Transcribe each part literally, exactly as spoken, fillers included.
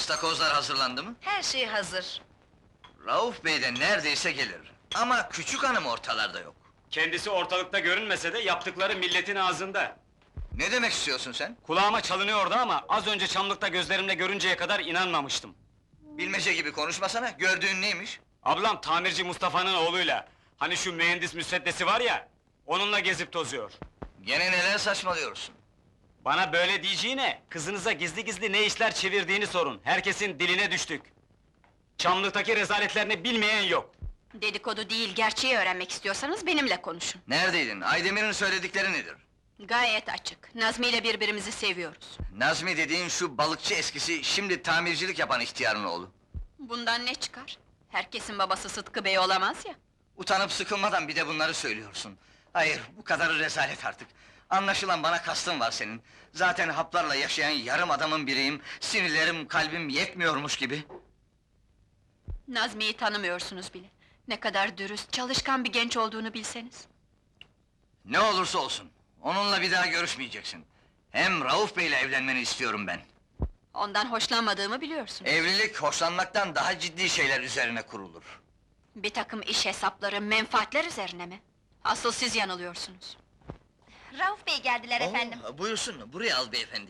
İstakozlar hazırlandı mı? Her şey hazır. Rauf Bey de neredeyse gelir. Ama küçük hanım ortalarda yok. Kendisi ortalıkta görünmese de yaptıkları milletin ağzında. Ne demek istiyorsun sen? Kulağıma çalınıyordu ama az önce Çamlık'ta gözlerimle görünceye kadar inanmamıştım. Bilmece gibi konuşmasana, gördüğün neymiş? Ablam tamirci Mustafa'nın oğluyla, hani şu mühendis müsveddesi var ya, onunla gezip tozuyor. Gene neler saçmalıyorsun? Bana böyle diyeceğine, kızınıza gizli gizli ne işler çevirdiğini sorun. Herkesin diline düştük. Çamlık'taki rezaletlerini bilmeyen yok. Dedikodu değil, gerçeği öğrenmek istiyorsanız benimle konuşun. Neredeydin? Aydemir'in söyledikleri nedir? Gayet açık. Nazmi ile birbirimizi seviyoruz. Nazmi dediğin şu balıkçı eskisi, şimdi tamircilik yapan ihtiyarın oğlu. Bundan ne çıkar? Herkesin babası Sıtkı Bey olamaz ya. Utanıp sıkılmadan bir de bunları söylüyorsun. Hayır, bu kadarı rezalet artık. Anlaşılan bana kastın var senin. Zaten haplarla yaşayan yarım adamın biriyim, sinirlerim, kalbim yetmiyormuş gibi. Nazmi'yi tanımıyorsunuz bile. Ne kadar dürüst, çalışkan bir genç olduğunu bilseniz. Ne olursa olsun, onunla bir daha görüşmeyeceksin. Hem Rauf Bey'le evlenmeni istiyorum ben. Ondan hoşlanmadığımı biliyorsunuz. Evlilik, hoşlanmaktan daha ciddi şeyler üzerine kurulur. Bir takım iş hesapları, menfaatler üzerine mi? Asıl siz yanılıyorsunuz. Rauf Bey geldiler efendim. Oo, buyursun, buraya al beyefendi.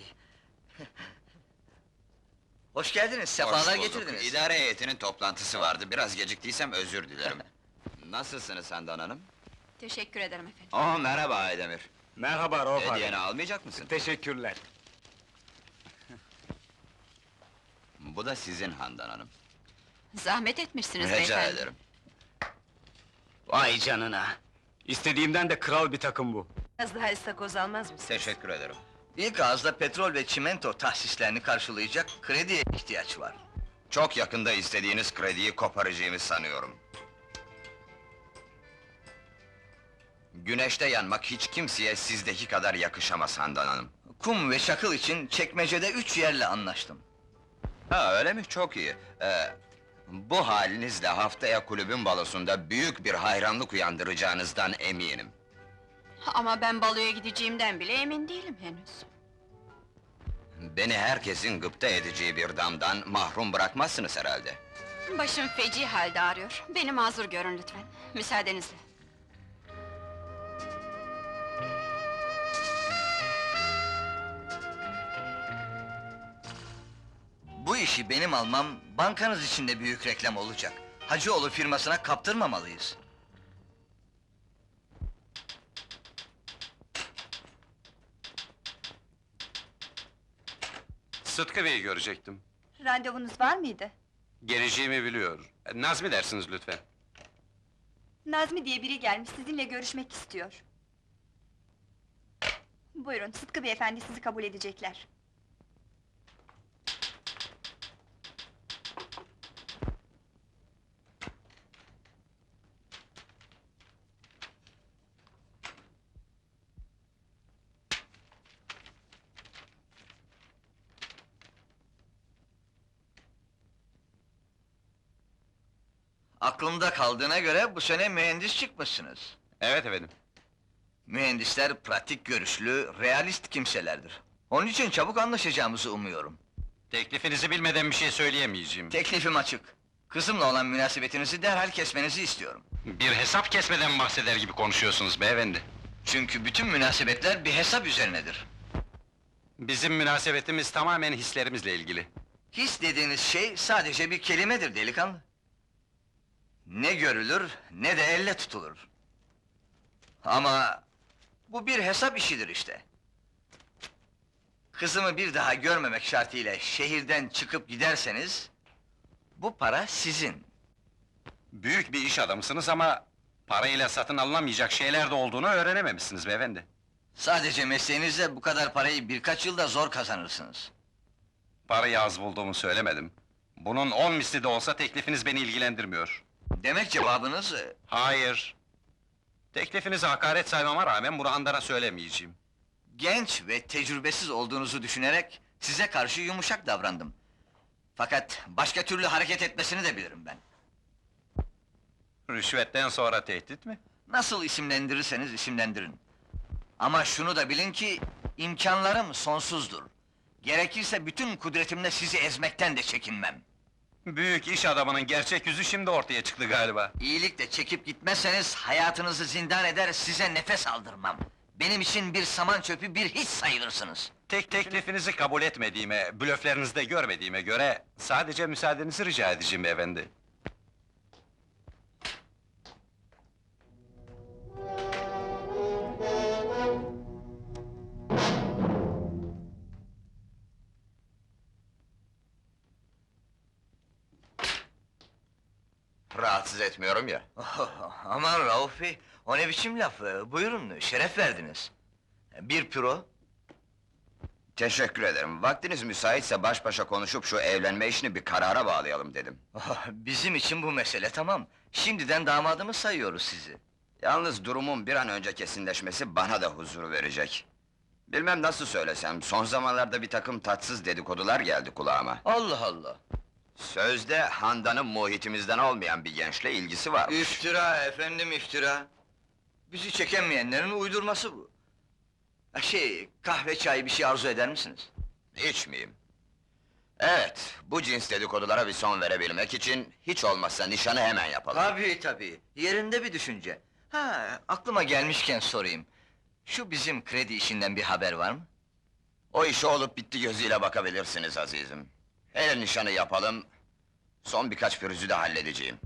Hoş geldiniz, Hoş sefalar bulduk. getirdiniz. İdare heyetinin toplantısı vardı, biraz geciktiysem özür dilerim. Nasılsınız Handan Hanım? Teşekkür ederim efendim. Oh, merhaba Aydemir. Merhaba Rauf abi. Hediyeni almayacak mısın? Teşekkürler. Bu da sizin Handan Hanım. Zahmet etmişsiniz Rica beyefendi. ederim. Vay canına! İstediğimden de kral bir takım bu. Biraz daha istakoz almaz mısın? Teşekkür ederim. İlk ağızda petrol ve çimento tahsislerini karşılayacak krediye ihtiyaç var. Çok yakında istediğiniz krediyi koparacağımı sanıyorum. Güneşte yanmak hiç kimseye sizdeki kadar yakışamaz Handan Hanım. Kum ve çakıl için çekmecede üç yerle anlaştım. Ha, öyle mi? Çok iyi. Ee, bu halinizle haftaya kulübün balosunda büyük bir hayranlık uyandıracağınızdan eminim. Ama ben baloya gideceğimden bile emin değilim henüz. Beni herkesin gıpta edeceği bir damdan mahrum bırakmazsınız herhalde. Başım feci halde ağrıyor. Beni mazur görün lütfen. Müsaadenizle. Bu işi benim almam, bankanız için de büyük reklam olacak. Hacıoğlu firmasına kaptırmamalıyız. Sıtkı Bey'i görecektim. Randevunuz var mıydı? Geleceğimi biliyor. Nazmi dersiniz lütfen. Nazmi diye biri gelmiş, sizinle görüşmek istiyor. Buyurun, Sıtkı beyefendi sizi kabul edecekler. Aklımda kaldığına göre bu sene mühendis çıkmışsınız. Evet efendim. Mühendisler pratik görüşlü, realist kimselerdir. Onun için çabuk anlaşacağımızı umuyorum. Teklifinizi bilmeden bir şey söyleyemeyeceğim. Teklifim açık. Kızımla olan münasebetinizi derhal kesmenizi istiyorum. Bir hesap kesmeden bahseder gibi konuşuyorsunuz beyefendi. Çünkü bütün münasebetler bir hesap üzerinedir. Bizim münasebetimiz tamamen hislerimizle ilgili. His dediğiniz şey sadece bir kelimedir delikanlı. Ne görülür, ne de elle tutulur. Ama bu bir hesap işidir işte. Kızımı bir daha görmemek şartıyla şehirden çıkıp giderseniz, bu para sizin. Büyük bir iş adamısınız ama parayla satın alınamayacak şeyler de olduğunu öğrenememişsiniz beyefendi. Sadece mesleğinizle bu kadar parayı birkaç yılda zor kazanırsınız. Parayı az bulduğumu söylemedim. Bunun on misli de olsa teklifiniz beni ilgilendirmiyor. Demek cevabınız... e, Hayır. Teklifinizi hakaret saymama rağmen bunu Handan'a söylemeyeceğim. genç ve tecrübesiz olduğunuzu düşünerek size karşı yumuşak davrandım. Fakat başka türlü hareket etmesini de bilirim ben. Rüşvetten sonra tehdit mi? Nasıl isimlendirirseniz isimlendirin. Ama şunu da bilin ki, imkanlarım sonsuzdur. Gerekirse bütün kudretimle sizi ezmekten de çekinmem. Büyük iş adamının gerçek yüzü şimdi ortaya çıktı galiba. İyilikle çekip gitmezseniz hayatınızı zindan eder, size nefes aldırmam. Benim için bir saman çöpü, bir hiç sayılırsınız. Tek teklifinizi kabul etmediğime, blöflerinizde görmediğime göre... ...sadece müsaadenizi rica edeceğim beyefendi. Rahatsız etmiyorum ya. Oh, aman Rauf Bey, o ne biçim laf? Ee, Buyurun, şeref verdiniz. Bir püro. Teşekkür ederim. Vaktiniz müsaitse baş başa konuşup şu evlenme işini bir karara bağlayalım dedim. Oh, bizim için bu mesele tamam. Şimdiden damadımı sayıyoruz sizi. Yalnız durumun bir an önce kesinleşmesi bana da huzur verecek. Bilmem nasıl söylesem, son zamanlarda bir takım tatsız dedikodular geldi kulağıma. Allah Allah! Sözde Handan'ın muhitimizden olmayan bir gençle ilgisi var. İftira efendim, iftira! Bizi çekemeyenlerin uydurması bu. Ha, Şey, kahve çay bir şey arzu eder misiniz? İçmeyeyim. Evet, bu cins dedikodulara bir son verebilmek için... ...hiç olmazsa nişanı hemen yapalım. Tabii tabii, yerinde bir düşünce. Ha, aklıma gelmişken sorayım. Şu bizim kredi işinden bir haber var mı? O işe olup bitti gözüyle bakabilirsiniz azizim. Hele nişanı yapalım... ...son birkaç pürüzü de halledeceğim.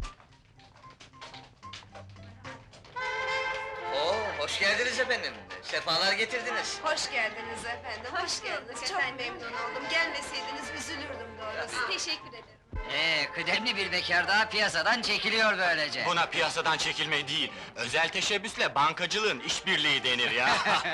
Oo, hoş geldiniz efendim. Sefalar getirdiniz. Hoş geldiniz efendim, hoş geldiniz. Çok memnun oldum. Gelmeseydiniz üzülürdüm doğrusu. Teşekkür ederim. Ee, kıdemli bir bekar daha piyasadan çekiliyor böylece. Buna piyasadan çekilme değil, özel teşebbüsle bankacılığın işbirliği denir ya.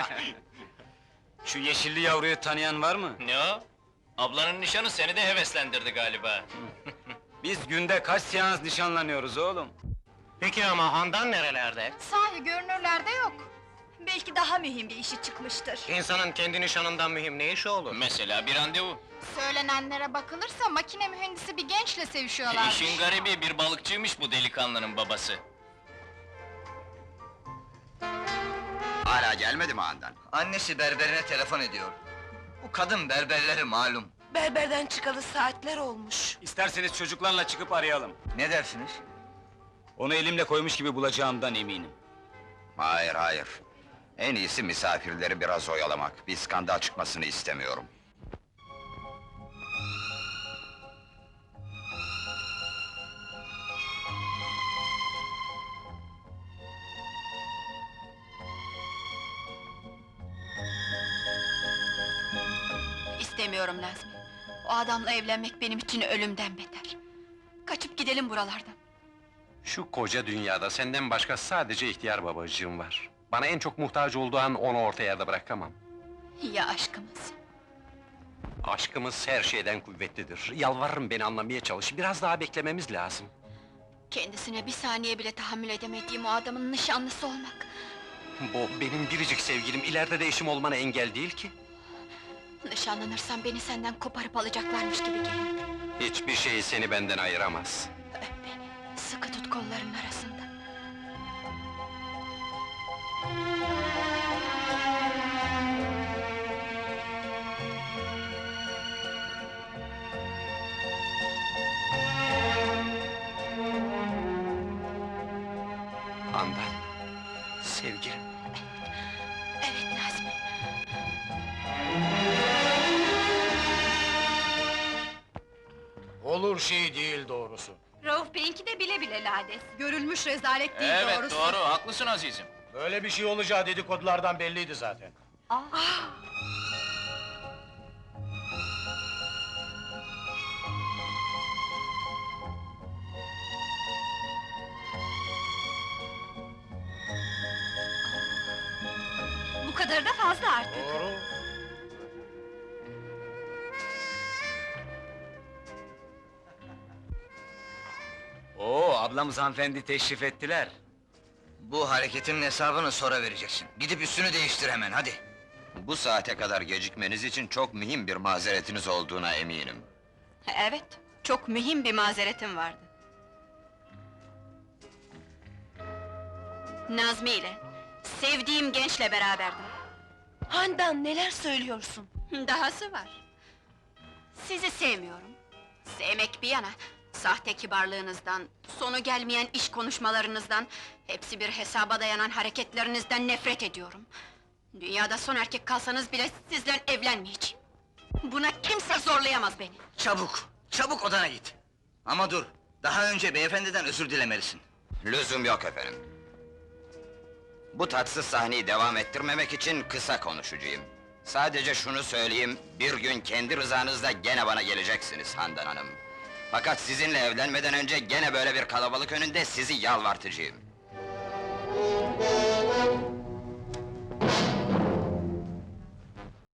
Şu yeşilli yavruyu tanıyan var mı? Ne o? Ablanın nişanı seni de heveslendirdi galiba. Biz günde kaç seans nişanlanıyoruz oğlum? Peki ama Handan nerelerde? Sahi görünürlerde yok. Belki daha mühim bir işi çıkmıştır. İnsanın kendi nişanından mühim ne işi olur? Mesela bir randevu. Söylenenlere bakılırsa makine mühendisi bir gençle sevişiyorlar. İşin garibi bir balıkçıymış bu delikanlının babası. Hala gelmedi mi Handan? Annesi berberine telefon ediyor. Bu kadın berberleri malum. Berberden çıkalı saatler olmuş. İsterseniz çocuklarla çıkıp arayalım. Ne dersiniz? Onu elimle koymuş gibi bulacağımdan eminim. Hayır, hayır. En iyisi misafirleri biraz oyalamak. Bir skandal çıkmasını istemiyorum. İstemiyorum Nazmi. O adamla evlenmek benim için ölümden beter. Kaçıp gidelim buralardan. Şu koca dünyada senden başka sadece ihtiyar babacığım var. Bana en çok muhtaç olduğu an onu orta yerde bırakamam. Ya aşkımız? Aşkımız her şeyden kuvvetlidir. Yalvarırım beni anlamaya çalış, biraz daha beklememiz lazım. Kendisine bir saniye bile tahammül edemediğim o adamın nişanlısı olmak... Bu benim biricik sevgilim, ileride de eşim olmana engel değil ki. Nişanlanırsam beni senden koparıp alacaklarmış gibi geliyor. Hiçbir şey seni benden ayıramaz. Öp beni, sıkı tut kollarının arasında. Handan, sevgilim. Evet Nazmi. Olur şey değil doğrusu. Rauf Bey'inki de bile bile lades. Görülmüş rezalet değil Evet doğrusu. doğru, haklısın azizim. Böyle bir şey olacağı dedikodulardan belliydi zaten. Bu kadar da fazla artık. Doğru. Oo, ablamız hanımefendi teşrif ettiler. Bu hareketinin hesabını sonra vereceksin. Gidip üstünü değiştir hemen, hadi! Bu saate kadar gecikmeniz için çok mühim bir mazeretiniz olduğuna eminim. Evet, çok mühim bir mazeretim vardı. Nazmi ile, sevdiğim gençle beraberdim. Handan neler söylüyorsun? Dahası var. Sizi sevmiyorum. Sevmek bir yana, sahte kibarlığınızdan, sonu gelmeyen iş konuşmalarınızdan, hepsi bir hesaba dayanan hareketlerinizden nefret ediyorum. Dünyada son erkek kalsanız bile sizle evlenmeyeceğim. Buna kimse zorlayamaz beni. Çabuk, çabuk odana git. Ama dur, daha önce beyefendiden özür dilemelisin. Lüzum yok efendim. Bu tatsız sahneyi devam ettirmemek için kısa konuşacağım. Sadece şunu söyleyeyim, bir gün kendi rızanızla gene bana geleceksiniz Handan Hanım. Fakat sizinle evlenmeden önce gene böyle bir kalabalık önünde sizi yalvartacağım.